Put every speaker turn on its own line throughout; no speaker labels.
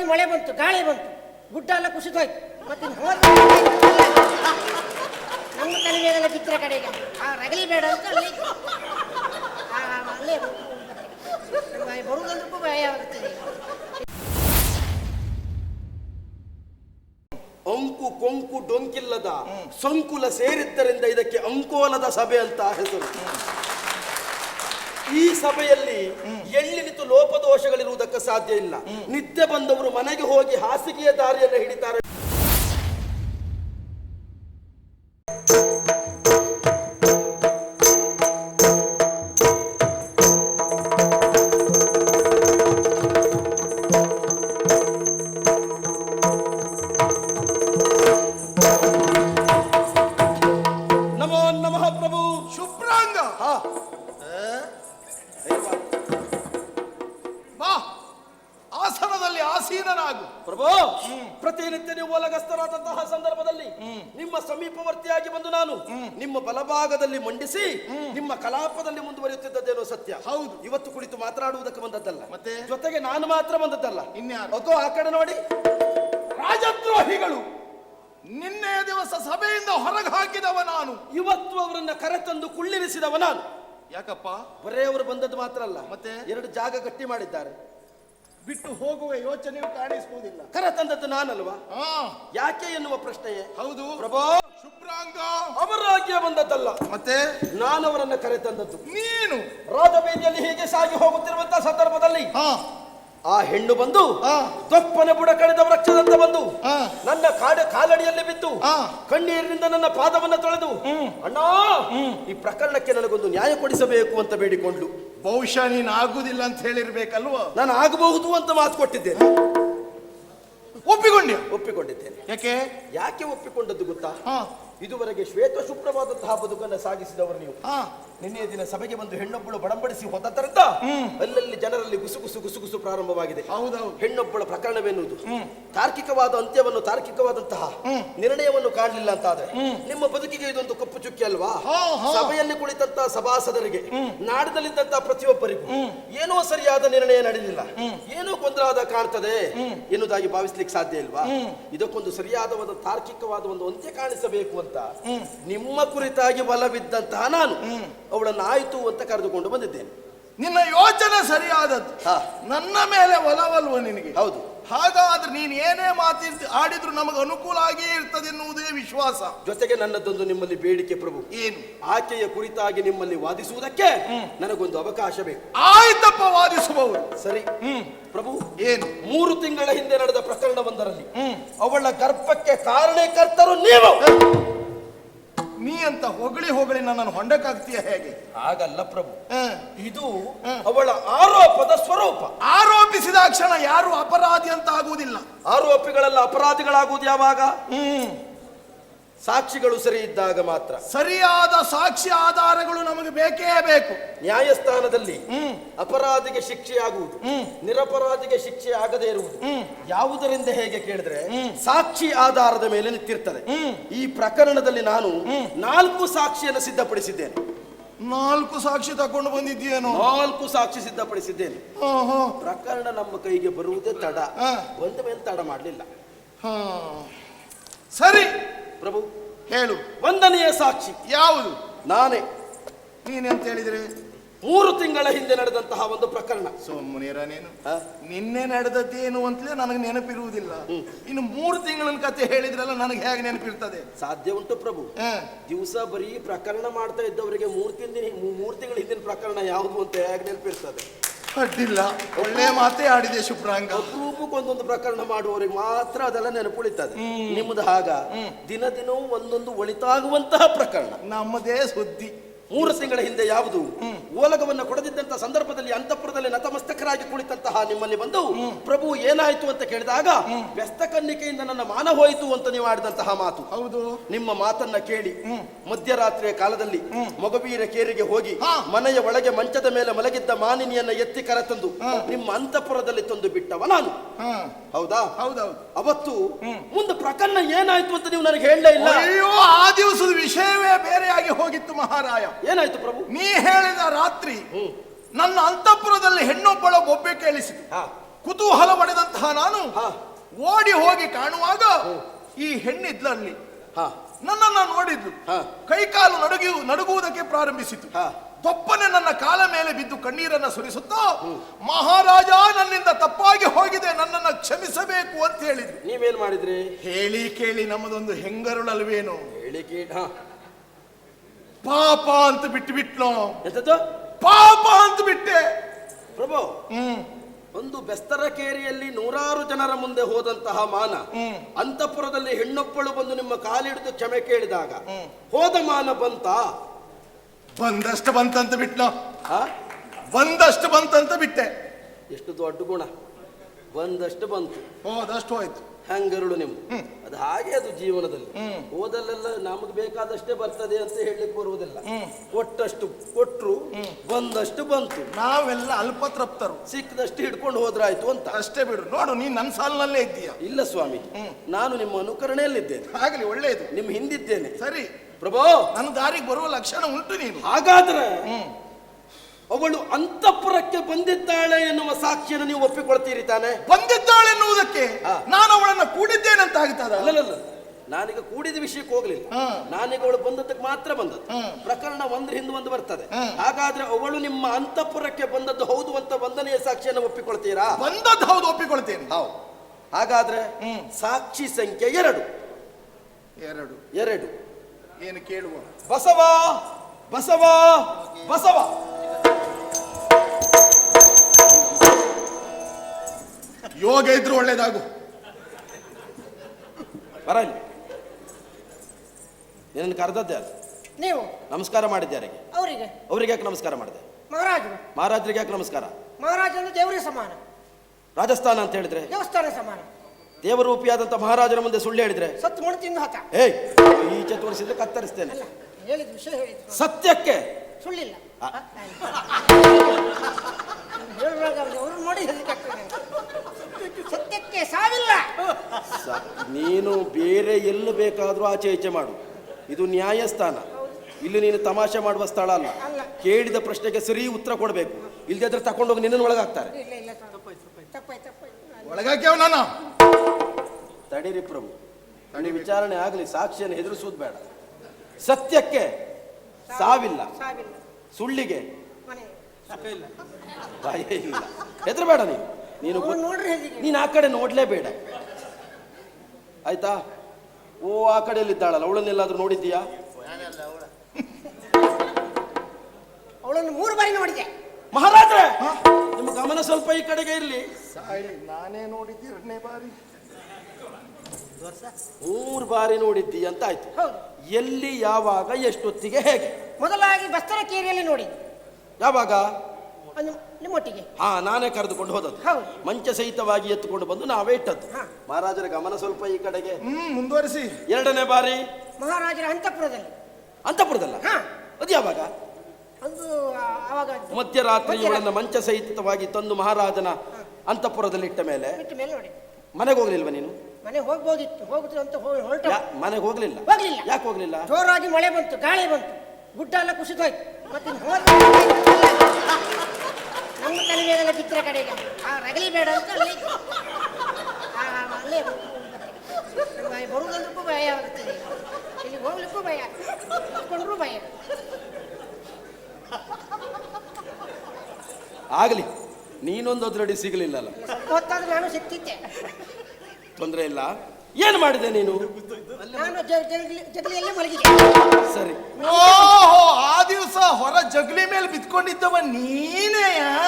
ಜೋರಾಗಿ ಮಳೆ ಬಂತು, ಗಾಳಿ ಬಂತು, ಗುಡ್ಡ ಎಲ್ಲ ಕುಸಿದೋಯ್ತು. ಮತ್ತೆ ನಮ್ಮ ತಲೆ ಮೇಲೆಲ್ಲ ಬಿತ್ತರೆ ಕಡೆಗೆ ರಗಲಿ ಬೇಡ ಅಂತ ಅಲ್ಲೇ ಬರುವುದಂದ್ರೂ ಭಯ ಆಗುತ್ತದೆ.
ಅಂಕು ಕೊಂಕು ಡೊಂಕಿಲ್ಲದ ಸಂಕುಲ ಸೇರಿದ್ದರಿಂದ ಇದಕ್ಕೆ ಅಂಕೋಲದ ಸಭೆ ಅಂತ ಹೆಸರು. ಈ ಸಭೆಯಲ್ಲಿ ಎಳ್ಳಿನಿತು ಲೋಪದೋಷಗಳಿರುವುದಕ್ಕೆ ಸಾಧ್ಯ ಇಲ್ಲ. ನಿತ್ಯ ಬಂದವರು ಮನೆಗೆ ಹೋಗಿ ಹಾಸಿಗೆಯ ದಾರಿಯನ್ನು ಹಿಡಿತಾರೆ. ನಮೋ ನಮಃ ಪ್ರಭು.
ಶುಭ್ರಾಂಗ ಬಾ, ಆಸನದಲ್ಲಿ ಆಸೀನನಾಗು.
ಪ್ರಭು, ಪ್ರತಿನಿತ್ಯ ನೀವು ಒಲಗಸ್ತರಾದಂತಹ ಸಂದರ್ಭದಲ್ಲಿ ನಿಮ್ಮ ಸಮೀಪವರ್ತಿಯಾಗಿ ಬಂದು ನಾನು ನಿಮ್ಮ ಬಲಭಾಗದಲ್ಲಿ ಮಂಡಿಸಿ ನಿಮ್ಮ ಕಲಾಪದಲ್ಲಿ ಮುಂದುವರಿಯುತ್ತಿದ್ದೇನೋ ಸತ್ಯ.
ಹೌದು.
ಇವತ್ತು ಕುಳಿತು ಮಾತನಾಡುವುದಕ್ಕೆ ಬಂದದ್ದಲ್ಲ,
ಮತ್ತೆ
ಜೊತೆಗೆ ನಾನು ಮಾತ್ರ ಬಂದದ್ದಲ್ಲ.
ಇನ್ಯಾರು?
ಅಗೋ ಆ ಕಡೆ ನೋಡಿ,
ರಾಜದ್ರೋಹಿಗಳು ನಿನ್ನೆಯ ದಿವಸ ಸಭೆಯಿಂದ ಹೊರಗೆ ಹಾಕಿದವ ನಾನು.
ಇವತ್ತು ಅವರನ್ನ ಕರೆತಂದು ಕುಳ್ಳಿರಿಸಿದವ ನಾನು.
ಯಾಕಪ್ಪ?
ಬರೇ ಅವರು ಬಂದದ್ದು ಮಾತ್ರ ಅಲ್ಲ,
ಮತ್ತೆ
2 ಜಾಗ ಗಟ್ಟಿ ಮಾಡಿದ್ದಾರೆ.
ಬಿಟ್ಟು ಹೋಗುವ ಯೋಚನೆಯೂ ಕಾಣಿಸುವುದಿಲ್ಲ.
ಕರೆತಂದದ್ದು ನಾನಲ್ವಾ?
ಹಾ,
ಯಾಕೆ ಎನ್ನುವ ಪ್ರಶ್ನೆಯೇ.
ಹೌದು
ಪ್ರಭು,
ಶುಭ್ರಾಂಗ
ಅವರಾಗ್ಯ ಬಂದದ್ದಲ್ಲ,
ಮತ್ತೆ
ನಾನು ಅವರನ್ನ ಕರೆತಂದದ್ದು.
ನೀನು
ರಾಜಬೀದಿಯಲ್ಲಿ ಹೀಗೆ ಸಾಗಿ ಹೋಗುತ್ತಿರುವಂತಹ ಸಂದರ್ಭದಲ್ಲಿ
ಹಾ
ಆ ಹೆಣ್ಣು ಬಂದು ದೊಪ್ಪನ ಬುಡ ಕಳೆದ ವೃಕ್ಷದಂತ ಬಂದು ನನ್ನ ಕಾಲಡಿಯಲ್ಲಿ ಬಿದ್ದು ಕಣ್ಣೀರಿನಿಂದ ನನ್ನ ಪಾದವನ್ನ ತೊಳೆದು, ಅಣ್ಣ ಈ ಪ್ರಕರಣಕ್ಕೆ ನನಗೊಂದು ನ್ಯಾಯ ಕೊಡಿಸಬೇಕು ಅಂತ ಬೇಡಿಕೊಂಡ್ಲು.
ಬಹುಶಃ ನೀನು ಆಗುದಿಲ್ಲ ಅಂತ ಹೇಳಿರ್ಬೇಕಲ್ವ?
ನಾನು ಆಗಬಹುದು ಅಂತ ಮಾತು ಕೊಟ್ಟಿದ್ದೇನೆ. ಒಪ್ಪಿಕೊಂಡಿದ್ದೇನೆ. ಯಾಕೆ ಒಪ್ಪಿಕೊಂಡದ್ದು ಗೊತ್ತಾ? ಇದುವರೆಗೆ ಶ್ವೇತ ಶುಭ್ರವಾದಂತಹ ಬದುಕನ್ನು ಸಾಗಿಸಿದವರು ನೀವು. ನಿನ್ನೆಯ ದಿನ ಸಭೆಗೆ ಬಂದು ಹೆಣ್ಣೊಬ್ಬಳು ಬಡಂಬಡಿಸಿ ಹೋದದ್ದರಿಂದ ಅಲ್ಲಲ್ಲಿ ಜನರಲ್ಲಿ ಗುಸುಗುಸು ಗುಸುಗುಸು ಪ್ರಾರಂಭವಾಗಿದೆ. ಹೆಣ್ಣೊಬ್ಬಳ ಪ್ರಕರಣವೆನ್ನುವುದು ತಾರ್ಕಿಕವಾದ ಅಂತ್ಯವನ್ನು, ತಾರ್ಕಿಕವಾದಂತಹ ನಿರ್ಣಯವನ್ನು ಕಾಣಲಿಲ್ಲ ಅಂತ ಆದ್ರೆ ನಿಮ್ಮ ಬದುಕಿಗೆ ಇದೊಂದು ಕಪ್ಪು ಚುಕ್ಕಿ ಅಲ್ವಾ? ಸಭೆಯಲ್ಲಿ ಕುಳಿತಂತಹ ಸಭಾಸದರಿಗೆ, ನಾಡಿನಲ್ಲಿದ್ದಂತಹ ಪ್ರತಿಯೊಬ್ಬರಿಗೂ ಏನೋ ಸರಿಯಾದ ನಿರ್ಣಯ ನಡೆಯಲಿಲ್ಲ, ಏನೋ ಗೊಂದಲಾದ ಕಾಣ್ತದೆ ಎನ್ನುವುದಾಗಿ ಭಾವಿಸ್ಲಿಕ್ಕೆ ಸಾಧ್ಯ ಇಲ್ವಾ? ಇದಕ್ಕೊಂದು ಸರಿಯಾದ ಒಂದು ತಾರ್ಕಿಕವಾದ ಒಂದು ಅಂತ್ಯ ಕಾಣಿಸಬೇಕು ಅಂತ ನಿಮ್ಮ ಕುರಿತಾಗಿ ಬಲವಿದ್ದಂತಹ ನಾನು ಅವಳನ್ನು ಆಯ್ತು ಅಂತ ಕರೆದುಕೊಂಡು ಬಂದಿದ್ದೇನೆ.
ನಿನ್ನ ಯೋಚನೆ ಸರಿಯಾದದ್ದು. ನನ್ನ ಮೇಲೆ ಒಲವಲ್ವ ನಿನಗೆ?
ಹೌದು.
ಹಾಗಾದ್ರೆ ನೀನು ಏನೇ ಆಡಿದ್ರು ನಮಗೆ ಅನುಕೂಲ ಆಗೇ ಇರ್ತದೆ ಎನ್ನುವುದೇ ವಿಶ್ವಾಸ.
ಜೊತೆಗೆ ನನ್ನದೊಂದು ನಿಮ್ಮಲ್ಲಿ ಬೇಡಿಕೆ ಪ್ರಭು.
ಏನು?
ಆಕೆಯ ಕುರಿತಾಗಿ ನಿಮ್ಮಲ್ಲಿ ವಾದಿಸುವುದಕ್ಕೆ ನನಗೊಂದು ಅವಕಾಶ ಬೇಕು.
ಆಯ್ತಪ್ಪ, ವಾದಿಸಬಹುದು.
ಸರಿ ಪ್ರಭು.
ಏನು?
3 ತಿಂಗಳ ಹಿಂದೆ ನಡೆದ ಪ್ರಕರಣವೊಂದರಲ್ಲಿ ಅವಳ ಗರ್ಭಕ್ಕೆ ಕಾರಣಕರ್ತರು ನೀವು.
ನೀ ಅಂತ ಹೊಗಳಿ ನನ್ನನ್ನು ಹೊಂಡಕ್ಕಾಗ್ತೀಯ ಹೇಗೆ?
ಹಾಗಲ್ಲ ಪ್ರಭು, ಇದು ಅವಳ ಆರೋಪದ ಸ್ವರೂಪ.
ಆರೋಪಿಸಿದ ಕ್ಷಣ ಯಾರು ಅಪರಾಧಿ ಅಂತ ಆಗುವುದಿಲ್ಲ.
ಆರೋಪಿಗಳೆಲ್ಲ ಅಪರಾಧಿಗಳಾಗುವುದು ಯಾವಾಗ? ಸಾಕ್ಷಿಗಳು ಸರಿ ಇದ್ದಾಗ ಮಾತ್ರ.
ಸರಿಯಾದ ಸಾಕ್ಷಿ ಆಧಾರಗಳು ನಮಗೆ ಬೇಕೇ ಬೇಕು.
ನ್ಯಾಯಸ್ಥಾನದಲ್ಲಿ ಅಪರಾಧಿಗೆ ಶಿಕ್ಷೆ ಆಗುವುದು, ನಿರಪರಾಧಿಗೆ ಶಿಕ್ಷೆ ಆಗದೇ ಇರುವುದು ಯಾವುದರಿಂದ ಹೇಗೆ ಕೇಳಿದ್ರೆ ಸಾಕ್ಷಿ ಆಧಾರದ ಮೇಲೆ ನಿಂತಿರ್ತದೆ. ಈ ಪ್ರಕರಣದಲ್ಲಿ ನಾನು 4 ಸಾಕ್ಷಿಯನ್ನು ಸಿದ್ಧಪಡಿಸಿದ್ದೇನೆ.
4 ಸಾಕ್ಷಿ ತಕೊಂಡು ಬಂದಿದ್ದೀಯೇನೋ?
4 ಸಾಕ್ಷಿ ಸಿದ್ಧಪಡಿಸಿದ್ದೇನೆ. ಪ್ರಕರಣ ನಮ್ಮ ಕೈಗೆ ಬರುವುದೇ ತಡ, ಬಂದ ಮೇಲೆ ತಡ ಮಾಡಲಿಲ್ಲ.
ಸರಿ
ಪ್ರಭು,
ಹೇಳು.
1ನೆಯ ಸಾಕ್ಷಿ
ಯಾವುದು?
ನಾನೇ.
ನೀನೆಂತ ಹೇಳಿದ್ರೆ
3 ತಿಂಗಳ ಹಿಂದೆ ನಡೆದಂತಹ ಒಂದು ಪ್ರಕರಣ.
ಸೋಮುನಿಯರ ನೀನು ನಿನ್ನೆ ನಡೆದದ್ದೇನು ಅಂತಲೇ ನನಗೆ ನೆನಪಿರುವುದಿಲ್ಲ. ಇನ್ನು 3 ತಿಂಗಳ ಕತೆ ಹೇಳಿದ್ರಲ್ಲ, ನನಗೆ ಹೇಗೆ ನೆನಪಿರ್ತದೆ?
ಸಾಧ್ಯ ಉಂಟು ಪ್ರಭು. ದಿವಸ ಬರೀ ಪ್ರಕರಣ ಮಾಡ್ತಾ ಇದ್ದವರಿಗೆ 3 ತಿಂಗಳ ಹಿಂದಿನ ಪ್ರಕರಣ ಯಾವುದು ಅಂತ ಹೇಗೆ ನೆನಪಿರ್ತದೆ?
ಅಡ್ಡಿಲ್ಲ, ಒಳ್ಳೆ ಮಾತೇ ಆಡಿದೆ ಶುಭ್ರಾಂಗ.
ಅಪರೂಪಕ್ಕೊಂದೊಂದು ಪ್ರಕರಣ ಮಾಡುವವರಿಗೆ ಮಾತ್ರ ಅದೆಲ್ಲ ನೆನಪುಳಿತದೆ. ನಿಮ್ಮದು ಹಾಗ ದಿನ ದಿನವೂ ಒಂದೊಂದು ಒಳಿತಾಗುವಂತಹ ಪ್ರಕರಣ.
ನಮ್ಮದೇ ಸುದ್ದಿ.
3 ತಿಂಗಳ ಹಿಂದೆ ಯಾವುದು ಓಲಗವನ್ನು ಕೊಡದಿದ್ದಂತಹ ಸಂದರ್ಭದಲ್ಲಿ ಅಂತಃಪುರದಲ್ಲಿ ನತಮಸ್ತಕರಾಗಿ ಕುಳಿತಂತಹ ನಿಮ್ಮಲ್ಲಿ ಬಂದು ಪ್ರಭು ಏನಾಯ್ತು ಅಂತ ಕೇಳಿದಾಗ ವ್ಯಸ್ತ ಕನ್ನಿಕೆಯಿಂದ ನನ್ನ ಮಾನ ಹೋಯಿತು ಅಂತ ನೀವು ಆಡಿದಂತಹ ಮಾತು.
ಹೌದು.
ನಿಮ್ಮ ಮಾತನ್ನ ಕೇಳಿ ಮಧ್ಯರಾತ್ರಿಯ ಕಾಲದಲ್ಲಿ ಮೊಗಬೀರ ಕೇರಿಗೆ ಹೋಗಿ ಮನೆಯ ಒಳಗೆ ಮಂಚದ ಮೇಲೆ ಮಲಗಿದ್ದ ಮಾನಿನಿಯನ್ನ ಎತ್ತಿ ಕರೆತಂದು ನಿಮ್ಮ ಅಂತಃಪುರದಲ್ಲಿ ತಂದು ಬಿಟ್ಟವ ನಾನು. ಹೌದಾ?
ಹೌದೌದು.
ಅವತ್ತು ಮುಂದೆ ಪ್ರಕರಣ ಏನಾಯ್ತು ಅಂತ ನೀವು ನನಗೆ ಹೇಳಲೇ ಇಲ್ಲ.
ಅಯ್ಯೋ, ಆ ದಿವಸದ ವಿಷಯವೇ ಬೇರೆಯಾಗಿ ಹೋಗಿತ್ತು ಮಹಾರಾಯ.
ಏನಾಯ್ತು ಪ್ರಭು?
ನೀ ಹೇಳಿದ ರಾತ್ರಿ ನನ್ನ ಅಂತಃಪುರದಲ್ಲಿ ಹೆಣ್ಣೊಬ್ಬಳ ಬೊಬ್ಬೆ ಕೇಳಿಸಿತು. ಕುತೂಹಲ ಪಡೆದಂತಹ ನಾನು
ಹಾ.
ಓಡಿ ಹೋಗಿ ಕಾಣುವಾಗ ಈ ಹೆಣ್ಣಿದ್ಲಲ್ಲಿ
ಹಾ
ನನ್ನನ್ನ ನೋಡಿದ್ಲು.
ಹಾ.
ಕೈಕಾಲು ನಡುಗುವುದಕ್ಕೆ ಪ್ರಾರಂಭಿಸಿತು.
ಹಾ.
ದೊಪ್ಪನೆ ನನ್ನ ಕಾಲ ಮೇಲೆ ಬಿದ್ದು ಕಣ್ಣೀರನ್ನ ಸುರಿಸುತ್ತಾ ಮಹಾರಾಜ, ನನ್ನಿಂದ ತಪ್ಪಾಗಿ ಹೋಗಿದೆ, ನನ್ನನ್ನ ಕ್ಷಮಿಸಬೇಕು ಅಂತ ಹೇಳಿದ್ರು.
ನೀವೇನ್ ಮಾಡಿದ್ರಿ?
ಹೇಳಿ ಕೇಳಿ ನಮ್ಮದೊಂದು ಹೆಂಗರುಳಲ್ವೇನು,
ಹೇಳಿಕೆ ಹಾ
ಪಾಪ ಅಂತ ಬಿಟ್ಟು
ಎಂತದ್ದು?
ಪಾಪ ಅಂತ ಬಿಟ್ಟೆ.
ಪ್ರಭು, ಒಂದು ಬೆಸ್ತರಕೇರಿಯಲ್ಲಿ ನೂರಾರು ಜನರ ಮುಂದೆ ಹೋದಂತಹ ಮಾನ, ಅಂತಃಪುರದಲ್ಲಿ ಹೆಣ್ಣೊಬ್ಬಳು ಬಂದು ನಿಮ್ಮ ಕಾಲಿಡಿದು ಕ್ಷಮೆ ಕೇಳಿದಾಗ ಹೋದ ಮಾನ ಬಂತ?
ಬಂದಷ್ಟು ಬಂತಂತ ಬಿಟ್ನೋ,
ಆ?
ಬಂದಷ್ಟು ಬಂತಂತ ಬಿಟ್ಟೆ.
ಎಷ್ಟು ದೊಡ್ಡ ಗುಣ, ಬಂದಷ್ಟು ಬಂತು
ಹೋದಷ್ಟು ಹೋಯ್ತು.
ಹಂಗರುಳು ನಿಮ್ದು. ಅದು ಹಾಗೆ, ಅದು ಜೀವನದಲ್ಲಿ ಹೋದಲ್ಲೆಲ್ಲ ನಮಗೆ ಬೇಕಾದಷ್ಟೇ ಬರ್ತದೆ ಅಂತ ಹೇಳಲಿಕ್ಕೆ ಬರುವುದಿಲ್ಲ. ಕೊಟ್ಟಷ್ಟು ಕೊಟ್ರು, ಬಂದಷ್ಟು ಬಂತು.
ನಾವೆಲ್ಲ ಅಲ್ಪತೃಪ್ತರು,
ಸಿಕ್ಕದಷ್ಟು ಹಿಡ್ಕೊಂಡು ಹೋದ್ರಾಯ್ತು ಅಂತ
ಅಷ್ಟೇ ಬಿಡು. ನೋಡು, ನೀನ್ ನನ್ನ ಸಾಲಿನಲ್ಲೇ ಇದ್ದೀಯ.
ಇಲ್ಲ ಸ್ವಾಮಿ, ನಾನು ನಿಮ್ಮ ಅನುಕರಣೆಯಲ್ಲಿದ್ದೇನೆ,
ಆಗ್ಲಿ, ಒಳ್ಳೇದು.
ನಿಮ್ಮ ಹಿಂದಿದ್ದೇನೆ.
ಸರಿ
ಪ್ರಭು,
ನನ್ನ ದಾರಿಗೆ ಬರುವ ಲಕ್ಷಣ ಉಂಟು ನೀನು.
ಹಾಗಾದ್ರೆ ಅವಳು ಅಂತಃಪುರಕ್ಕೆ ಬಂದಿದ್ದಾಳೆ ಎನ್ನುವ ಸಾಕ್ಷಿಯನ್ನು ನೀವು ಒಪ್ಪಿಕೊಳ್ತೀರಿ ತಾನೆ?
ಬಂದಿದ್ದಾಳೆ ಎನ್ನುವುದಕ್ಕೆ ನಾನು ಅವಳನ್ನ ಕೂಡಿದ್ದೇನೆ ಅಂತ ಆಗ್ತದ?
ಅಲ್ಲಲ್ಲ, ನಾನೀಗ ಕೂಡಿದ ವಿಷಯಕ್ಕೆ ಹೋಗ್ಲಿಲ್ಲ. ನಾನೀಗ ಅವಳು ಬಂದದ್ದಕ್ಕೆ ಮಾತ್ರ ಬಂದದ್ದು. ಪ್ರಕರಣ ಒಂದ್ರ ಹಿಂದೆ ಒಂದು ಬರ್ತದೆ. ಹಾಗಾದ್ರೆ ಅವಳು ನಿಮ್ಮ ಅಂತಃಪುರಕ್ಕೆ ಬಂದದ್ದು ಹೌದು ಅಂತ ಬಂಧನೆಯ ಸಾಕ್ಷಿಯನ್ನು ಒಪ್ಪಿಕೊಳ್ತೀರಾ?
ಬಂದದ್ದು ಹೌದು, ಒಪ್ಪಿಕೊಳ್ತೇನೆ.
ಹೌದು. ಹಾಗಾದ್ರೆ ಸಾಕ್ಷಿ ಸಂಖ್ಯೆ 2.
ಏನು ಕೇಳುವ?
ಬಸವ ಬಸವ ಬಸವ.
ಯೋಗ ಇದ್ರು ಒಳ್ಳೇದಾಗು.
ಬರಲಿ, ನಿನ್ನ ಕರೆದದ್ದೆ ಅಲ್ಲ.
ನೀವು
ನಮಸ್ಕಾರ ಮಾಡಿದ್ದೆ
ಅವರಿಗೆ
ಅವ್ರಿಗೆ ಯಾಕೆ ನಮಸ್ಕಾರ ಮಾಡಿದೆ?
ಮಹಾರಾಜರು.
ಮಹಾರಾಜರಿಗೆ ಯಾಕೆ ನಮಸ್ಕಾರ?
ಮಹಾರಾಜ ಅಂದ್ರೆ ದೇವರಿಗೆ ಸಮಾನ,
ರಾಜಸ್ಥಾನ ಅಂತ ಹೇಳಿದ್ರೆ
ದೇವಸ್ಥಾನ ಸಮಾನ.
ದೇವರೂಪಿಯಾದಂತ ಮಹಾರಾಜರ ಮುಂದೆ ಸುಳ್ಳು ಹೇಳಿದ್ರೆ
ಸತ್ತು ಮಣ್ಣು ತಿಂದು ಹತ.
ಏಯ್, ಈಚೆ ತೋರಿಸಿದ್ರೆ ಕತ್ತರಿಸ್ತೇನೆ.
ಅಲ್ಲ, ಹೇಳಿದ ವಿಷಯ ಹೇಳಿದ್ರು,
ಸತ್ಯಕ್ಕೆ
ಸುಳ್ಳಿಲ್ಲ. ಹೇಳುವಾಗ ಅವ್ರು ನೋಡಿ ಹೆದರಿಕಾಗ್ತದೆ. ಸತ್ಯಕ್ಕೆ ಸಾವಿಲ್ಲ.
ನೀನು ಬೇರೆ ಎಲ್ಲ ಬೇಕಾದ್ರೂ ಆಚೆ ಈಚೆ ಮಾಡು, ಇದು ನ್ಯಾಯಸ್ಥಾನ. ಇಲ್ಲಿ ನೀನು ತಮಾಷೆ ಮಾಡುವ ಸ್ಥಳ ಅಲ್ಲ. ಕೇಳಿದ ಪ್ರಶ್ನೆಗೆ ಸರಿ ಉತ್ತರ ಕೊಡಬೇಕು, ಇಲ್ಲದೆ ಅದ್ರ ತಕೊಂಡೋಗಿ ನಿನ್ನ ಒಳಗಾಗ್ತಾರೆ.
ಇಲ್ಲ ಇಲ್ಲ, ತಪ್ಪಾಯ್ತು.
ಒಳಗಾಕ್ಯಾವ ನಾನು.
ತಡೀರಿ ಪ್ರಭು, ವಿಚಾರಣೆ ಆಗಲಿ, ಸಾಕ್ಷಿಯನ್ನು ಹೆದರಿಸುವುದು ಬೇಡ. ಸತ್ಯಕ್ಕೆ ಸಾವಿಲ್ಲ, ಸುಳ್ಳಿಗೆ ಭಯ ಇಲ್ಲ. ಹೆದರಬೇಡ ನೀನು ಆ ಕಡೆ ನೋಡ್ಲೇಬೇಡ, ಆಯ್ತಾ? ಓ, ಆ ಕಡೆಯಲ್ಲಿದ್ದಾಳಲ್ಲ, ಅವಳನ್ನೆಲ್ಲಾದ್ರೂ ನೋಡಿದ್ದೀಯಾ?
ಅವಳನ್ನು 3 ಬಾರಿ ನೋಡಿದ್ದೆ.
ಮಹಾರಾಜರೇ, ನಿಮ್ಮ ಗಮನ ಸ್ವಲ್ಪ ಈ ಕಡೆಗೆ ಇರಲಿ.
ನಾನೇ ನೋಡಿದ್ದೆ 2ನೇ ಬಾರಿ.
3 ಬಾರಿ ನೋಡಿದ್ದಿ ಅಂತ ಆಯ್ತು. ಎಲ್ಲಿ, ಯಾವಾಗ, ಎಷ್ಟೊತ್ತಿಗೆ, ಹೇಗೆ?
ಮೊದಲಾಗಿ ಬಸ್ತರಕೇರಿಯಲ್ಲಿ ನೋಡಿ.
ಯಾವಾಗ?
ನಿಮ್ಮೊಟ್ಟಿಗೆ.
ನಾನೇ ಕರೆದುಕೊಂಡು ಹೋದದ್ದು. ಮಂಚ ಸಹಿತವಾಗಿ ಎತ್ತುಕೊಂಡು ಬಂದು ನಾವೇ ಇಟ್ಟದ್ದು. ಮಹಾರಾಜರ ಗಮನ ಸ್ವಲ್ಪ ಈ ಕಡೆಗೆ.
ಮುಂದುವರಿಸಿ.
2ನೇ ಬಾರಿ
ಮಹಾರಾಜರ ಅಂತಃಪುರದಲ್ಲಿ.
ಅಂತಃಪುರದಲ್ಲ? ಅದು ಯಾವಾಗ?
ಅದು ಆವಾಗ
ಮಧ್ಯರಾತ್ರಿ ಇವಳನ್ನ ಮಂಚ ಸಹಿತವಾಗಿ ತಂದು ಮಹಾರಾಜನ ಅಂತಃಪುರದಲ್ಲಿ ಇಟ್ಟ ಮೇಲೆ
ನೋಡಿ.
ಮನೆಗೆ ಹೋಗ್ಲಿಲ್ವ ನೀನು?
ಮನೆ ಹೋಗ್ಬೋದಿತ್ತು, ಹೋಗುದು ಅಂತ ಹೊರಟ.
ಮನೆಗೆ ಹೋಗ್ಲಿಲ್ಲ. ಯಾಕೆ ಹೋಗ್ಲಿಲ್ಲ?
ಜೋರಾಗಿ ಮಳೆ ಬಂತು, ಗಾಳಿ ಬಂತು, ಗುಡ್ಡ ಎಲ್ಲ ಕುಸಿದೋಯ್ತು. ಮತ್ತೆ ನಮ್ಮ ತಲೆ ಮೇಲೆಲ್ಲ ಚಿತ್ರ ಕಡೆಗೆ ರಗಲಿ ಬೇಡ ಅಂತ ಅಲ್ಲೇ ಬರುವುದಂದ್ರೂ ಭಯ ಆಗುತ್ತದೆ, ಇಲ್ಲಿ ಹೋಗ್ಲಿಕ್ಕೂ ಭಯ, ಕುತ್ಕೊಂಡ್ರೂ ಭಯ.
ಆಗಲಿ, ನೀನೊಂದು ಅದ್ರಡಿ ಸಿಗಲಿಲ್ಲಲ್ಲ.
ಸ್ವಲ್ಪ ಹೊತ್ತಾದ್ರೂ ನಾನು ಸಿಕ್ತಿದ್ದೆ,
ತೊಂದರೆ ಇಲ್ಲ. ಏನು ಮಾಡಿದೆ ನೀನು?
ನಾನು ಜಗಲಿಯಲ್ಲೇ ಮಲಗಿದೆ.
ಸರಿ.
ಓಹೋ, ಆ ದಿವಸ ಹೊರ ಜಗಲಿ ಮೇಲೆ ಬಿತ್ಕೊಂಡಿದ್ದವ ನೀನೇ?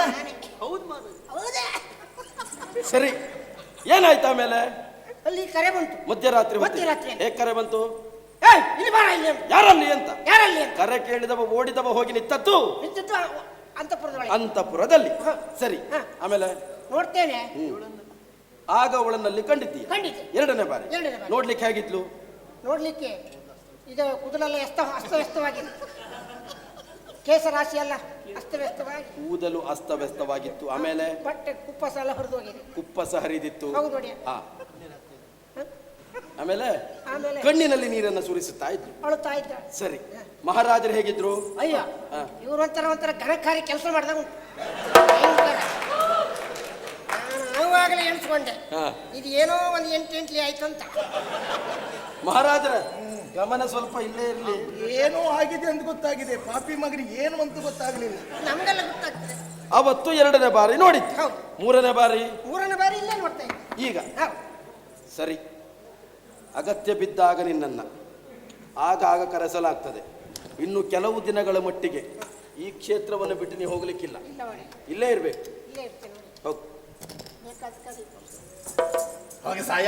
ಸರಿ, ಏನಾಯ್ತು ಆಮೇಲೆ?
ಅಲ್ಲಿ ಕರೆ ಬಂತು
ಮಧ್ಯರಾತ್ರಿ. ಹೇಗೆ ಕರೆ ಬಂತು?
ಇಲ್ಲಿ ಬಾರ, ಇಲ್ಲಿ.
ಯಾರಲ್ಲಿ ಅಂತ?
ಯಾರಲ್ಲಿ?
ಕರೆ ಕೇಳಿದವ ಓಡಿದವ ಹೋಗಿ ನಿಂತದ್ದು ಅಂತಃಪುರದಲ್ಲಿ. ಸರಿ, ಆಮೇಲೆ
ನೋಡ್ತೇನೆ.
ಆಗ ಅವಳನ್ನಲ್ಲಿ ಕಂಡಿದ್ದೀಯ? 2ನೇ ಬಾರಿ. ನೋಡ್ಲಿಕ್ಕೆ ಹೇಗಿದ್ಲು?
ನೋಡ್ಲಿಕ್ಕೆ ಇದು ಕೂದಲೆಲ್ಲ ಅಸ್ತವ್ಯಸ್ತವಾಗಿದೆ, ಕೇಸರಾಶಿ ಎಲ್ಲ ಅಸ್ತವ್ಯಸ್ತವಾಗಿ,
ಕೂದಲು ಅಸ್ತವ್ಯಸ್ತವಾಗಿತ್ತು. ಆಮೇಲೆ
ಬಟ್ಟೆ ಕುಪ್ಪಸ ಎಲ್ಲ ಹರಿದು ಹೋಗಿದೆ.
ಕುಪ್ಪಸ ಹರಿದಿತ್ತು.
ಹೌದು ನೋಡಿ.
ಆಮೇಲೆ ಕಣ್ಣಿನಲ್ಲಿ ನೀರನ್ನು ಸುರಿಸುತ್ತಾ ಇದ್ರು,
ಅಳುತ್ತಾ ಇದ್ದ.
ಸರಿ, ಮಹಾರಾಜರು ಹೇಗಿದ್ರು?
ಅಯ್ಯೋ, ಇವರು ಒಂಥರ ಘನಕಾರಿ ಕೆಲಸ ಮಾಡಿದಾಗ ಬರುವಾಗಲೇ ಎಣಿಸ್ಕೊಂಡೆ
ಹಾ.
ಇದು ಏನೋ ಒಂದು ಎಂಟೆಂಟ್ಲಿ ಆಯ್ತು ಅಂತ.
ಮಹಾರಾಜರ ಗಮನ ಸ್ವಲ್ಪ ಇಲ್ಲೇ ಇರಲಿ.
ಏನೋ ಆಗಿದೆ ಅಂತ ಗೊತ್ತಾಗಿದೆ, ಪಾಪಿ ಮಗನಿಗೆ ಏನು ಅಂತ ಗೊತ್ತಾಗ್ಲಿಲ್ಲ.
ನಮಗೆಲ್ಲ ಗೊತ್ತಾಗ್ತದೆ.
ಅವತ್ತು 2ನೇ ಬಾರಿ ನೋಡಿದ್ದು,
ಹೌದು.
3ನೇ ಬಾರಿ
ಮೂರನೇ ಬಾರಿ ಇಲ್ಲೇ ನೋಡ್ತಾ ಇದ್ದೆ.
ಈಗ
ಹೌದು.
ಸರಿ, ಅಗತ್ಯ ಬಿದ್ದಾಗ ನಿನ್ನನ್ನ ಆಗಾಗ ಕರೆಸಲಾಗ್ತದೆ. ಇನ್ನು ಕೆಲವು ದಿನಗಳ ಮಟ್ಟಿಗೆ ಈ ಕ್ಷೇತ್ರವನ್ನು ಬಿಟ್ಟು ನೀವು ಹೋಗ್ಲಿಕ್ಕಿಲ್ಲ,
ಇಲ್ಲ ನೋಡಿ,
ಇಲ್ಲೇ ಇರ್ಬೇಕು.
ಇಲ್ಲೇ ಇರ್ತೇನೆ ನೋಡಿ.
ಹೋಗು.
ಬೇಕಾದ ಕಲಿ.
ಹಾಗೆ ಸಾಯ.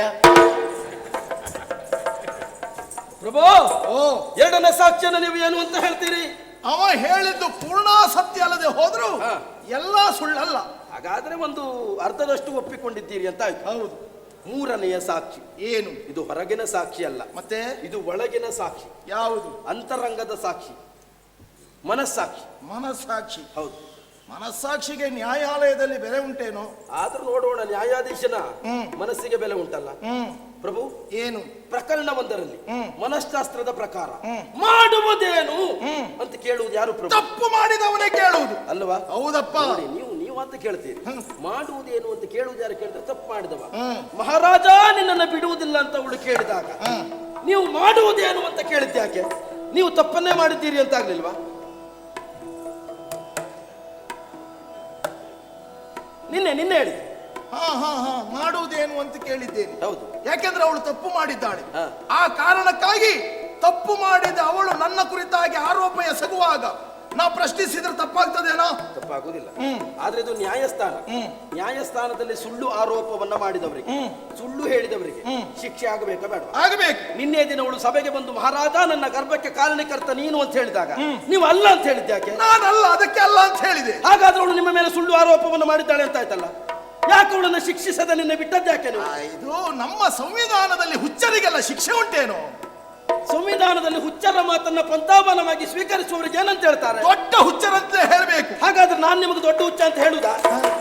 ಪ್ರಭು,
ಓ,
2ನೇ ಸಾಕ್ಷ್ಯನ ನೀವು ಏನು ಅಂತ ಹೇಳ್ತೀರಿ?
ಅವ ಹೇಳಿದ್ದು ಪೂರ್ಣ ಸತ್ಯ ಅಲ್ಲದೆ ಹೋದ್ರು
ಹಾ.
ಎಲ್ಲಾ ಸುಳ್ಳಲ್ಲ.
ಹಾಗಾದ್ರೆ ಒಂದು ಅರ್ಧದಷ್ಟು ಒಪ್ಪಿಕೊಂಡಿದ್ದೀರಿ ಅಂತ ಆಯ್ತು.
ಹೌದು.
3ನೆಯ ಸಾಕ್ಷಿ
ಏನು?
ಇದು ಹೊರಗಿನ ಸಾಕ್ಷಿ ಅಲ್ಲ,
ಮತ್ತೆ
ಇದು ಒಳಗಿನ ಸಾಕ್ಷಿ,
ಯಾವುದು?
ಅಂತರಂಗದ ಸಾಕ್ಷಿ, ಮನಸ್ಸಾಕ್ಷಿ.
ಮನಸ್ಸಾಕ್ಷಿ.
ಹೌದು.
ಮನಸ್ಸಾಕ್ಷಿಗೆ ನ್ಯಾಯಾಲಯದಲ್ಲಿ ಬೆಲೆ ಉಂಟೇನೋ?
ಆದ್ರೂ ನೋಡೋಣ, ನ್ಯಾಯಾಧೀಶನ ಮನಸ್ಸಿಗೆ ಬೆಲೆ ಉಂಟಲ್ಲ. ಪ್ರಭು,
ಏನು?
ಪ್ರಕರಣ 1ರಲ್ಲಿ ಮನಃಶಾಸ್ತ್ರದ ಪ್ರಕಾರ ಮಾಡುವುದೇನು ಅಂತ ಕೇಳುವುದು ಯಾರು ಪ್ರಭು?
ತಪ್ಪು ಮಾಡಿದವನೇ ಕೇಳುವುದು
ಅಲ್ವಾ?
ಹೌದಪ್ಪ.
ನೋಡಿ, ನೀವು ಅಂತ ಕೇಳ್ತೀರಿ, ಮಾಡುವುದೇನು ಅಂತ ಕೇಳುವುದು ಯಾರು ಕೇಳ್ತಾರೆ? ತಪ್ಪು ಮಾಡಿದವ.
ಹ್ಮ್.
ಮಹಾರಾಜ ನಿನ್ನನ್ನು ಬಿಡುವುದಿಲ್ಲ ಅಂತ ಅವಳು ಕೇಳಿದಾಗ ನೀವು ಮಾಡುವುದೇನು ಅಂತ ಕೇಳಿದ್ಯಾಕೆ? ನೀವು ತಪ್ಪನ್ನೇ ಮಾಡಿದ್ದೀರಿ ಅಂತ ಆಗ್ಲಿಲ್ವಾ? ನಿನ್ನೆ ಹೇಳಿ.
ಮಾಡುವುದೇನು ಅಂತ ಕೇಳಿದ್ದೇನೆ.
ಹೌದು.
ಯಾಕೆಂದ್ರೆ ಅವಳು ತಪ್ಪು ಮಾಡಿದ್ದಾಳೆ.
ಹಾ.
ಆ ಕಾರಣಕ್ಕಾಗಿ ತಪ್ಪು ಮಾಡಿದ ಅವಳು ನನ್ನ ಕುರಿತಾಗಿ ಆರೋಪ ಎಸಗುವಾಗ ನಾ ಪ್ರಶ್ನಿಸಿದ್ರೆ ತಪ್ಪಾಗ್ತದೇನೋ?
ತಪ್ಪಾಗುದಿಲ್ಲ. ಆದ್ರೆ ಇದು ನ್ಯಾಯಸ್ಥಾನ. ನ್ಯಾಯಸ್ಥಾನದಲ್ಲಿ ಸುಳ್ಳು ಆರೋಪವನ್ನ ಮಾಡಿದವರಿಗೆ, ಸುಳ್ಳು ಹೇಳಿದವರಿಗೆ ಶಿಕ್ಷೆ ಆಗಬೇಕಾ ಬೇಡ?
ಆಗಬೇಕು.
ನಿನ್ನೆ ದಿನ ಅವಳು ಸಭೆಗೆ ಬಂದು ಮಹಾರಾಜ ನನ್ನ ಗರ್ಭಕ್ಕೆ ಕಾರಣಕರ್ತ ನೀನು ಅಂತ ಹೇಳಿದಾಗ ನೀವು ಅಲ್ಲ ಅಂತ ಹೇಳಿದ್ಯಾಕೆ?
ನಾನಲ್ಲ, ಅದಕ್ಕೆ ಅಲ್ಲ ಅಂತ ಹೇಳಿದೆ.
ಹಾಗಾದ್ರೆ ಅವಳು ನಿಮ್ಮ ಮೇಲೆ ಸುಳ್ಳು ಆರೋಪವನ್ನು ಮಾಡಿದ್ದಾಳೆ ಅಂತ ಆಯ್ತಲ್ಲ. ಯಾಕೆ ಅವಳನ್ನು ಶಿಕ್ಷಿಸದ ನಿನ್ನೆ ಬಿಟ್ಟದ್ಯಾಕೆ ನೀವು?
ಇದು ನಮ್ಮ ಸಂವಿಧಾನದಲ್ಲಿ ಹುಚ್ಚರಿಗೆಲ್ಲ ಶಿಕ್ಷೆ ಉಂಟೇನೋ?
ಸಂವಿಧಾನದಲ್ಲಿ ಹುಚ್ಚರ ಮಾತನ್ನ ಪಂಥಾಬಲವಾಗಿ ಸ್ವೀಕರಿಸುವವರಿಗೆ ಏನಂತ ಹೇಳ್ತಾರೆ?
ದೊಡ್ಡ ಹುಚ್ಚರಂತ ಹೇಳಬೇಕು.
ಹಾಗಾದ್ರೆ ನಾನು ನಿಮಗೆ ದೊಡ್ಡ ಹುಚ್ಚ ಅಂತ ಹೇಳುದಾ?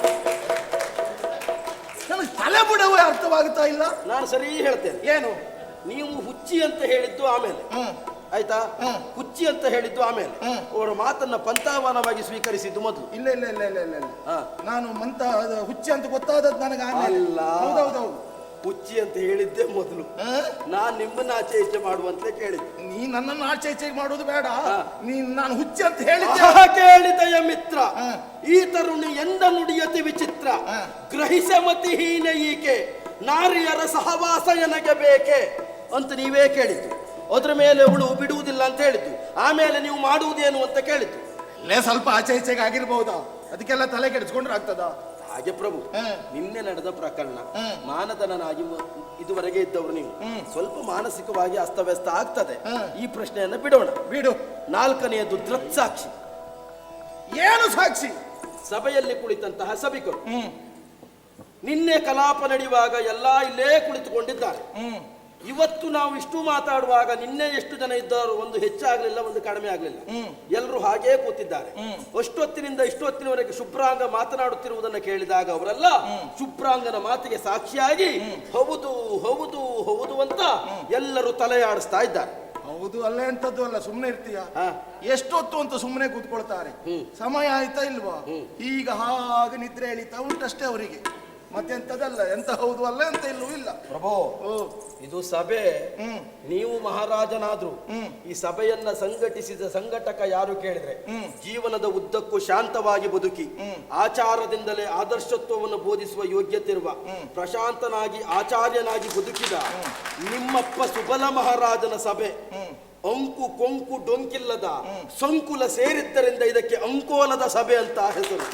ನನಗೆ ತಲೆ ಬುಡವೇ ಅರ್ಥವಾಗುತ್ತಾ ಇಲ್ಲ.
ನಾನು ಸರಿ ಹೇಳ್ತೇನೆ.
ಏನು?
ನೀವು ಹುಚ್ಚಿ ಅಂತ ಹೇಳಿದ್ದು ಆಮೇಲೆ ಆಯ್ತಾ, ಹುಚ್ಚಿ ಅಂತ ಹೇಳಿದ್ದು ಆಮೇಲೆ, ಅವರ ಮಾತನ್ನ ಪಂಥಾವನವಾಗಿ ಸ್ವೀಕರಿಸಿದ್ದು ಮೊದಲು.
ಇಲ್ಲ ಇಲ್ಲ ಇಲ್ಲ ಇಲ್ಲ ಇಲ್ಲ ಇಲ್ಲ. ನಾನು ಹುಚ್ಚಿ ಅಂತ ಗೊತ್ತಾದದ್ದು ನನಗೆ ಆಮೇಲೆ.
ಅಲ್ಲ,
ಹೌದೌದೌದು.
ಹುಚ್ಚಿ ಅಂತ ಹೇಳಿದ್ದೆ ಮೊದಲು. ನಾನ್ ನಿಮ್ಮನ್ನ ಆಚೆ ಈಚೆ ಮಾಡುವಂತೆ ಕೇಳಿದ್ದೆ.
ನೀ ನನ್ನನ್ನು ಆಚೆ ಈಚೆ ಮಾಡೋದು ಬೇಡ. ನಾನು ಹುಚ್ಚಿ ಅಂತ ಹೇಳಿದ್ದೆ.
ಕೇಳಿದೆಯ ಮಿತ್ರ, ಈ ತರುಣಿ ಎಂದ ನುಡಿಯತಿ ವಿಚಿತ್ರ, ಗ್ರಹಿಸಮತಿ ಹೀನ ಈಕೆ, ನಾರಿಯರ ಸಹವಾಸ ನನಗೆ ಬೇಕೆ ಅಂತ ನೀವೇ ಕೇಳಿದ್ದು. ಅದ್ರ ಮೇಲೆ ಅವಳು ಬಿಡುವುದಿಲ್ಲ ಅಂತ ಹೇಳಿದ್ದು. ಆಮೇಲೆ ನೀವು ಮಾಡುವುದೇನು ಅಂತ ಕೇಳಿದ್ದು.
ಅಲ್ಲೇ ಸ್ವಲ್ಪ ಆಚೆ ಈಚೆಗೆ ಆಗಿರ್ಬಹುದಾ? ಅದಕ್ಕೆಲ್ಲ ತಲೆ ಕೆಡಿಸ್ಕೊಂಡ್ರೆ ಆಗ್ತದ?
ಹಾಗೆ ಪ್ರಭು, ನಿನ್ನೆ ನಡೆದ ಪ್ರಕರಣ, ಮಾನದನಾಗಿ ಇದುವರೆಗೆ ಇದ್ದವರು ನೀವು ಸ್ವಲ್ಪ ಮಾನಸಿಕವಾಗಿ ಅಸ್ತವ್ಯಸ್ತ ಆಗ್ತದೆ. ಈ ಪ್ರಶ್ನೆಯನ್ನ ಬಿಡೋಣ.
ಬಿಡು.
4ನೇದು ದೃಕ್ಸಾಕ್ಷಿ.
ಏನು ಸಾಕ್ಷಿ?
ಸಭೆಯಲ್ಲಿ ಕುಳಿತಂತಹ ಸಭಿಕರು. ನಿನ್ನೆ ಕಲಾಪ ನಡೆಯುವಾಗ ಎಲ್ಲ ಇಲ್ಲೇ ಕುಳಿತುಕೊಂಡಿದ್ದಾರೆ. ಇವತ್ತು ನಾವು ಇಷ್ಟು ಮಾತಾಡುವಾಗ ನಿನ್ನೆ ಎಷ್ಟು ಜನ ಇದ್ದವರು? ಒಂದು ಹೆಚ್ಚಾಗ್ಲಿಲ್ಲ, ಒಂದು ಕಡಿಮೆ ಆಗ್ಲಿಲ್ಲ, ಎಲ್ಲರೂ ಹಾಗೇ ಕೂತಿದ್ದಾರೆ. ಅಷ್ಟೊತ್ತಿನಿಂದ ಇಷ್ಟೊತ್ತಿನವರೆಗೆ ಶುಭ್ರಾಂಗ ಮಾತನಾಡುತ್ತಿರುವುದನ್ನು ಕೇಳಿದಾಗ ಅವರೆಲ್ಲ ಶುಭ್ರಾಂಗನ ಮಾತಿಗೆ ಸಾಕ್ಷಿಯಾಗಿ ಹೌದು ಹೌದು ಹೌದು ಅಂತ ಎಲ್ಲರೂ ತಲೆಯಾಡಿಸ್ತಾ ಇದ್ದಾರೆ.
ಹೌದು ಅಲ್ಲೇ ಅಂತದ್ದು ಅಲ್ಲ, ಸುಮ್ಮನೆ ಇರ್ತೀಯ? ಎಷ್ಟೊತ್ತು ಅಂತ ಸುಮ್ಮನೆ ಕೂತ್ಕೊಳ್ತಾರೆ. ಸಮಯ ಆಯ್ತಾ ಇಲ್ವಾ? ಈಗ ಹಾಗೆ ನಿದ್ರೆ ಎಳಿತಾ ಉಂಟಷ್ಟೇ ಅವರಿಗೆ, ಮತ್ತೆಂತದಲ್ಲ. ಎಂತ ಹೌದು ಅಲ್ಲ ಅಂತ ಇಲ್ಲೂ ಇಲ್ಲ.
ಪ್ರಭು, ಇದು ಸಭೆ. ನೀವು ಮಹಾರಾಜನಾದ್ರು ಈ ಸಭೆಯನ್ನ ಸಂಘಟಿಸಿದ ಸಂಘಟಕ ಯಾರು ಕೇಳಿದ್ರೆ, ಜೀವನದ ಉದ್ದಕ್ಕೂ ಶಾಂತವಾಗಿ ಬದುಕಿ ಆಚಾರದಿಂದಲೇ ಆದರ್ಶತ್ವವನ್ನು ಬೋಧಿಸುವ ಯೋಗ್ಯತೆ ಇರುವ ಪ್ರಶಾಂತನಾಗಿ ಆಚಾರ್ಯನಾಗಿ ಬದುಕಿದ ನಿಮ್ಮಪ್ಪ ಸುಬಲ ಮಹಾರಾಜನ ಸಭೆ. ಅಂಕು ಕೊಂಕು ಡೊಂಕಿಲ್ಲದ ಸಂಕುಲ ಸೇರಿದ್ದರಿಂದ ಇದಕ್ಕೆ ಅಂಕೋಲದ ಸಭೆ ಅಂತ ಹೆಸರು.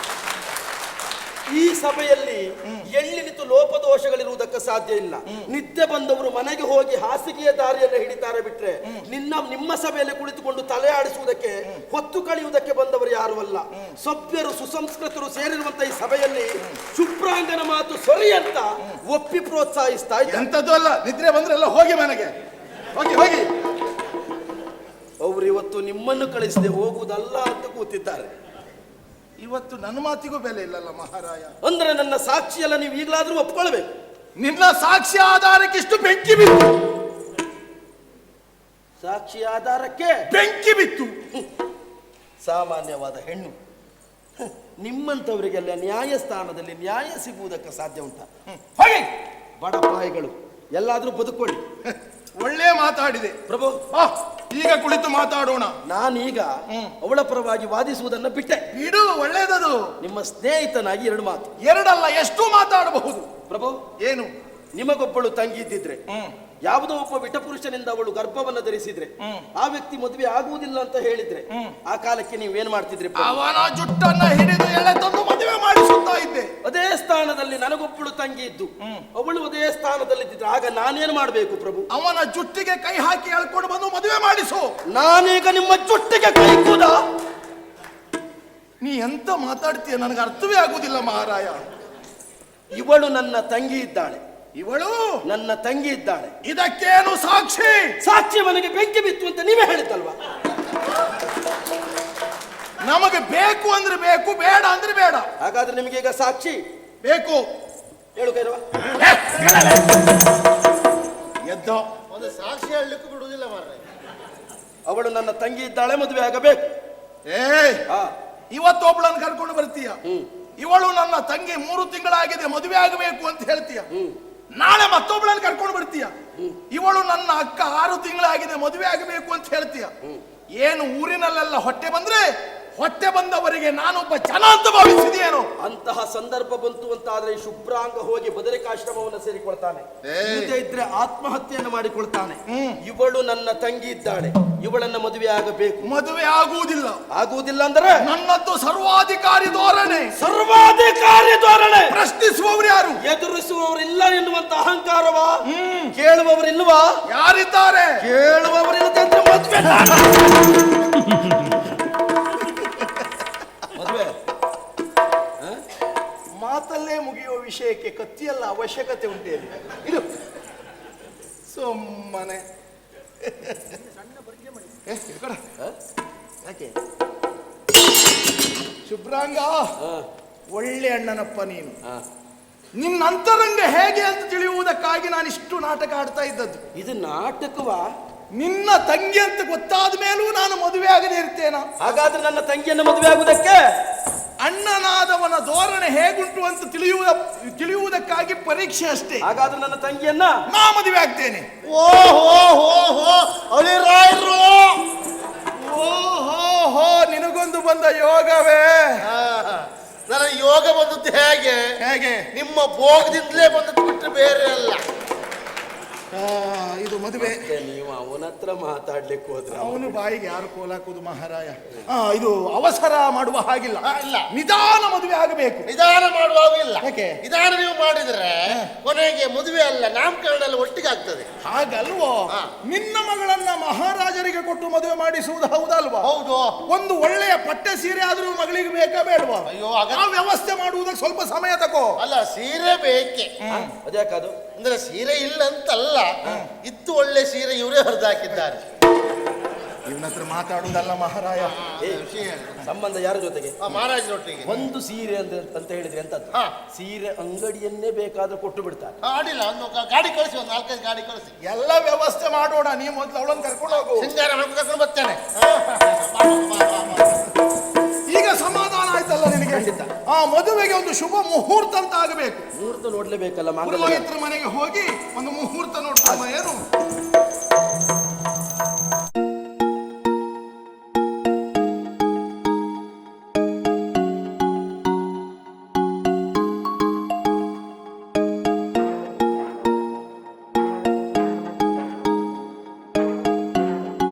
ಈ ಸಭೆಯಲ್ಲಿ ಎಳ್ಳಿನಿತು ಲೋಪದೋಷಗಳಿರುವುದಕ್ಕೆ ಸಾಧ್ಯ ಇಲ್ಲ. ನಿದ್ದೆ ಬಂದವರು ಮನೆಗೆ ಹೋಗಿ ಹಾಸಿಗೆಯ ದಾರಿಯನ್ನು ಹಿಡಿತಾರೆ ಬಿಟ್ರೆ ನಿಮ್ಮ ಸಭೆಯಲ್ಲಿ ಕುಳಿತುಕೊಂಡು ತಲೆ ಆಡಿಸುವುದಕ್ಕೆ, ಹೊತ್ತು ಕಳೆಯುವುದಕ್ಕೆ ಬಂದವರು ಯಾರು ಅಲ್ಲ. ಸಭ್ಯರು ಸುಸಂಸ್ಕೃತರು ಸೇರಿರುವಂತಹ ಈ ಸಭೆಯಲ್ಲಿ ಶುಭ್ರಾಂಗನ ಮಾತು ಸರಿ ಅಂತ ಒಪ್ಪಿ ಪ್ರೋತ್ಸಾಹಿಸ್ತಾ ಇದ್ದಾರೆ.
ಎಂತದ್ದು ಅಲ್ಲ, ನಿದ್ರೆ ಬಂದ್ರೆ ಎಲ್ಲ ಹೋಗಿ ಮನೆಗೆ ಹೋಗಿ ಹೋಗಿ.
ಅವರು ಇವತ್ತು ನಿಮ್ಮನ್ನು ಕಳಿಸದೆ ಹೋಗುವುದಲ್ಲ ಅಂತ ಕೂತಿದ್ದಾರೆ.
ಇವತ್ತು ನನ್ನ ಮಾತಿಗೂ ಬೆಲೆ ಇಲ್ಲಲ್ಲ ಮಹಾರಾಯ.
ಅಂದ್ರೆ ನನ್ನ ಸಾಕ್ಷಿಯಲ್ಲ ನೀವು ಈಗಲಾದ್ರೂ ಒಪ್ಕೊಳ್ಬೇಕು.
ನಿನ್ನ ಸಾಕ್ಷಿ ಆಧಾರಕ್ಕೆ ಇಷ್ಟು ಬೆಂಕಿ ಬಿತ್ತು.
ಸಾಕ್ಷಿ ಆಧಾರಕ್ಕೆ
ಬೆಂಕಿ ಬಿತ್ತು.
ಸಾಮಾನ್ಯವಾದ ಹೆಣ್ಣು ನಿಮ್ಮಂಥವರಿಗೆಲ್ಲ ನ್ಯಾಯಸ್ಥಾನದಲ್ಲಿ ನ್ಯಾಯ ಸಿಗುವುದಕ್ಕೆ ಸಾಧ್ಯ ಉಂಟಾ? ಹಾಗೆ ಬಡಪಾಯಿಗಳು ಎಲ್ಲಾದ್ರೂ ಬದುಕೊಳ್ಳಿ.
ಒಳ್ಳೆ ಮಾತಾಡಿದೆ
ಪ್ರಭು.
ಈಗ ಕುಳಿತು ಮಾತಾಡೋಣ.
ನಾನೀಗ ಅವಳ ಪರವಾಗಿ ವಾದಿಸುವುದನ್ನ ಬಿಟ್ಟೆ.
ಬಿಡು, ಒಳ್ಳೇದದು.
ನಿಮ್ಮ ಸ್ನೇಹಿತನಾಗಿ 2 ಮಾತು.
ಎರಡಲ್ಲ, ಎಷ್ಟು ಮಾತಾಡಬಹುದು.
ಪ್ರಭು,
ಏನು?
ನಿಮಗೊಬ್ಬಳು ತಂಗಿ ಇದ್ದಿದ್ರೆ, ಯಾವುದೋ ಒಬ್ಬ ವಿಟಪುರುಷನಿಂದ ಅವಳು ಗರ್ಭವನ್ನು ಧರಿಸಿದ್ರೆ, ಆ ವ್ಯಕ್ತಿ ಮದುವೆ ಆಗುವುದಿಲ್ಲ ಅಂತ ಹೇಳಿದ್ರೆ, ಆ ಕಾಲಕ್ಕೆ ನೀವೇನ್ ಮಾಡ್ತಿದ್ರಿ?
ಅವನ ಜುಟ್ಟನ್ನ ಹಿಡಿದು ಎಳೆ ತಂದು ಮದುವೆ ಮಾಡಿಸುತ್ತಾ ಇದ್ದೆ.
ಅದೇ ಸ್ಥಾನದಲ್ಲಿ ನನಗೊಬ್ಬಳು ತಂಗಿ ಇದ್ದು ಅವಳು ಅದೇ ಸ್ಥಾನದಲ್ಲಿ ಇದ್ದಿದ್ರೆ ಆಗ ನಾನೇನು ಮಾಡಬೇಕು ಪ್ರಭು?
ಅವನ ಜುಟ್ಟಿಗೆ ಕೈ ಹಾಕಿ ಎಳ್ಕೊಂಡು ಬಂದು ಮದುವೆ ಮಾಡಿಸು.
ನಾನೀಗ ನಿಮ್ಮ ಜುಟ್ಟಿಗೆ ಕೈ ಕೂದ?
ನೀ ಎಂತ ಮಾತಾಡ್ತೀಯ, ನನಗೆ ಅರ್ಥವೇ ಆಗುವುದಿಲ್ಲ ಮಹಾರಾಯ.
ಇವಳು ನನ್ನ ತಂಗಿ ಇದ್ದಾಳೆ.
ಇವಳು
ನನ್ನ ತಂಗಿ ಇದ್ದಾಳೆ.
ಇದಕ್ಕೇನು ಸಾಕ್ಷಿ?
ಸಾಕ್ಷಿ ಮನೆಗೆ ಬೆಂಕಿ ಬಿತ್ತು ಅಂತ ನೀವೇ ಹೇಳಿದ್ದಲ್ವಾ?
ನಮಗೆ ಬೇಕು ಅಂದ್ರೆ ಬೇಕು, ಬೇಡ ಅಂದ್ರೆ ಬೇಡ.
ಹಾಗಾದ್ರೆ ನಿಮಗೆ ಈಗ ಸಾಕ್ಷಿ
ಬೇಕು.
ಹೇಳು ಕೈರವ.
ಎದ್ದ
ಒಂದು ಸಾಕ್ಷಿ ಹೇಳಲಿಕ್ಕೂ ಬಿಡುವುದಿಲ್ಲ ಮಾರ್ರೆ.
ಅವಳು ನನ್ನ ತಂಗಿ ಇದ್ದಾಳೆ, ಮದುವೆ ಆಗಬೇಕು.
ಇವತ್ತೊಬ್ಬಳನ್ನು ಕರ್ಕೊಂಡು ಬರ್ತೀಯ. ಇವಳು ನನ್ನ ತಂಗಿ 3 ತಿಂಗಳಾಗಿದೆ, ಮದುವೆ ಆಗಬೇಕು ಅಂತ ಹೇಳ್ತೀಯ. ನಾಳೆ ಮತ್ತೊಬ್ಬಳನ್ನು ಕರ್ಕೊಂಡು ಬರ್ತೀಯ. ಇವಳು ನನ್ನ ಅಕ್ಕ 6 ತಿಂಗಳಾಗಿದೆ, ಮದುವೆ ಆಗಬೇಕು ಅಂತ ಹೇಳ್ತೀಯ. ಏನು ಊರಿನಲ್ಲೆಲ್ಲ ಹೊಟ್ಟೆ ಬಂದ್ರೆ ಹೊಟ್ಟೆ ಬಂದವರಿಗೆ ನಾನೊಬ್ಬ ಜನ ಅಂತ ಭಾವಿಸಿದೆಯೇನು?
ಅಂತಹ ಸಂದರ್ಭ ಬಂತು ಅಂತ ಆದ್ರೆ ಶುಭ್ರಾಂಗ ಹೋಗಿ ಬದರಿಕಾಶ್ರಮವನ್ನು ಸೇರಿಕೊಳ್ತಾನೆ. ಇದ್ರೆ ಆತ್ಮಹತ್ಯೆಯನ್ನು ಮಾಡಿಕೊಳ್ತಾನೆ. ಇವಳು ನನ್ನ ತಂಗಿ ಇದ್ದಾಳೆ, ಇವಳನ್ನ ಮದುವೆ ಆಗಬೇಕು.
ಮದುವೆ ಆಗುವುದಿಲ್ಲ.
ಆಗುವುದಿಲ್ಲ ಅಂದ್ರೆ
ನನ್ನದ್ದು ಸರ್ವಾಧಿಕಾರಿ ಧೋರಣೆ.
ಸರ್ವಾಧಿಕಾರಿ ಧೋರಣೆ.
ಪ್ರಶ್ನಿಸುವವರು ಯಾರು?
ಎದುರಿಸುವವರಿಲ್ಲ ಎನ್ನುವಂತ ಅಹಂಕಾರವಾ? ಕೇಳುವವರಿಲ್ವಾ?
ಯಾರಿದ್ದಾರೆ?
ಕೇಳುವವರಿಲ್ಲದೆ ಅಂದ್ರೆ ಮದುವೆ
ಮಾತಲ್ಲೇ ಮುಗಿಯುವ ವಿಷಯಕ್ಕೆ ಕತ್ತಿಯಲ್ಲ ಅವಶ್ಯಕತೆ ಉಂಟೇಳಿ. ಇದು ಸುಮ್ಮನೆ
ಯಾಕೆ
ಶುಭ್ರಾಂಗ, ಒಳ್ಳೆ ಅಣ್ಣನಪ್ಪ ನೀನು. ನಿನ್ನ ಅಂತರಂಗ ಹೇಗೆ ಅಂತ ತಿಳಿಯುವುದಕ್ಕಾಗಿ ನಾನು ಇಷ್ಟು ನಾಟಕ ಆಡ್ತಾ ಇದ್ದದ್ದು.
ಇದು ನಾಟಕವಾ?
ನಿನ್ನ ತಂಗಿ ಅಂತ ಗೊತ್ತಾದ ಮೇಲೂ ನಾನು ಮದುವೆ ಆಗದೆ ಇರ್ತೇನ?
ಹಾಗಾದ್ರೆ ನನ್ನ ತಂಗಿಯನ್ನು ಮದುವೆ ಆಗುವುದಕ್ಕೆ
ಅಣ್ಣನಾದವನ ಧೋರಣೆ ಹೇಗುಂಟು ಅಂತ ತಿಳಿಯುವುದಕ್ಕಾಗಿ ಪರೀಕ್ಷೆ ಅಷ್ಟೇ.
ಹಾಗಾದ್ರೆ ನನ್ನ ತಂಗಿಯನ್ನ
ನಾ ಮದುವೆ ಆಗ್ತೇನೆ. ಓಹೋ, ನಿನಗೊಂದು ಬಂದ ಯೋಗವೇ?
ನನ್ನ ಯೋಗ ಬಂದದ್ದು ಹೇಗೆ? ನಿಮ್ಮ ಭೋಗದಿಂದಲೇ ಬಂದದ್ದು ಬಿಟ್ಟರೆ ಬೇರೆ ಅಲ್ಲ.
ಇದು ಮದುವೆ.
ನೀವು ಅವನ ಹತ್ರ ಮಾತಾಡ್ಲಿಕ್ಕೆ ಹೋದ್ರೆ
ಅವನು ಬಾಯಿಗೆ ಯಾರು ಕೋಲಾಕುದು ಮಹಾರಾಯ? ಇದು ಅವಸರ ಮಾಡುವ ಹಾಗಿಲ್ಲ.
ಇಲ್ಲ,
ನಿಧಾನ ಮದುವೆ ಆಗಬೇಕು.
ನಿಧಾನ ಮಾಡುವಾಗಿಲ್ಲ.
ಯಾಕೆ?
ನಿಧಾನ ನೀವು ಮಾಡಿದ್ರೆ ಕೊನೆಗೆ ಮದುವೆ ಅಲ್ಲ, ನಾಮಕರಣ ಎಲ್ಲ ಒಟ್ಟಿಗೆ ಆಗ್ತದೆ.
ಹಾಗಲ್ವೋ? ನಿನ್ನ ಮಗಳನ್ನ ಮಹಾರಾಜರಿಗೆ ಕೊಟ್ಟು ಮದುವೆ ಮಾಡಿಸುವುದು ಹೌದಲ್ವಾ?
ಹೌದು.
ಒಂದು ಒಳ್ಳೆಯ ಪಟ್ಟೆ ಸೀರೆ ಆದ್ರೂ ಮಗಳಿಗೆ ಬೇಕಾ ಬೇಡವಾ?
ಅಯ್ಯೋ,
ಆ ವ್ಯವಸ್ಥೆ ಮಾಡುವುದಕ್ಕೆ ಸ್ವಲ್ಪ ಸಮಯ ತಗೋ.
ಅಲ್ಲ, ಸೀರೆ ಬೇಕೆ.
ಅದ್ಯಾಕದು?
ಅಂದ್ರೆ ಸೀರೆ ಇಲ್ಲ ಅಂತಲ್ಲ, ಇತ್ತು ಒಳ್ಳೆ ಸೀರೆ ಇವರೇ ಹೊರದಾಕಿದ್ದಾರೆ.
ಇವನ ಹತ್ರ ಮಾತಾಡುವುದಲ್ಲ ಮಹಾರಾಯ.
ಸಂಬಂಧ ಯಾರ ಜೊತೆಗೆ?
ಮಹಾರಾಜರೊಟ್ಟಿಗೆ.
ಒಂದು ಸೀರೆ ಅಂತ ಹೇಳಿದ್ರೆ ಎಂತದ್ದು? ಸೀರೆ ಅಂಗಡಿಯನ್ನೇ ಬೇಕಾದ್ರೂ ಕೊಟ್ಟು ಬಿಡ್ತಾರೆ.
ಅಡಿಲ್ಲ, ಒಂದು ಗಾಡಿ ಕಳಿಸಿ, ಒಂದು 4-5 ಗಾಡಿ ಕಳಿಸಿ.
ಎಲ್ಲ ವ್ಯವಸ್ಥೆ ಮಾಡೋಣ. ನೀವು ಮೊದಲು ಅವಳನ್ನು ಕರ್ಕೊಂಡು ಹೋಗು.
ಸಿಂಗಾರ ಕರ್ಕೊಂಡು ಬರ್ತೇನೆ.
ಈಗ ಸಮಾಧಾನ ಆಯ್ತಲ್ಲ ನಿನಗೆ?
ಖಂಡಿತ.
ಆ ಮದುವೆಗೆ ಒಂದು ಶುಭ ಮುಹೂರ್ತ ಅಂತ ಆಗಬೇಕು.
ಮುಹೂರ್ತ ನೋಡ್ಲೇಬೇಕಲ್ಲ.
ಪುರೋಹಿತರ ಮನೆಗೆ ಹೋಗಿ ಒಂದು ಮುಹೂರ್ತ ನೋಡ್ತಾಮ. ಏನು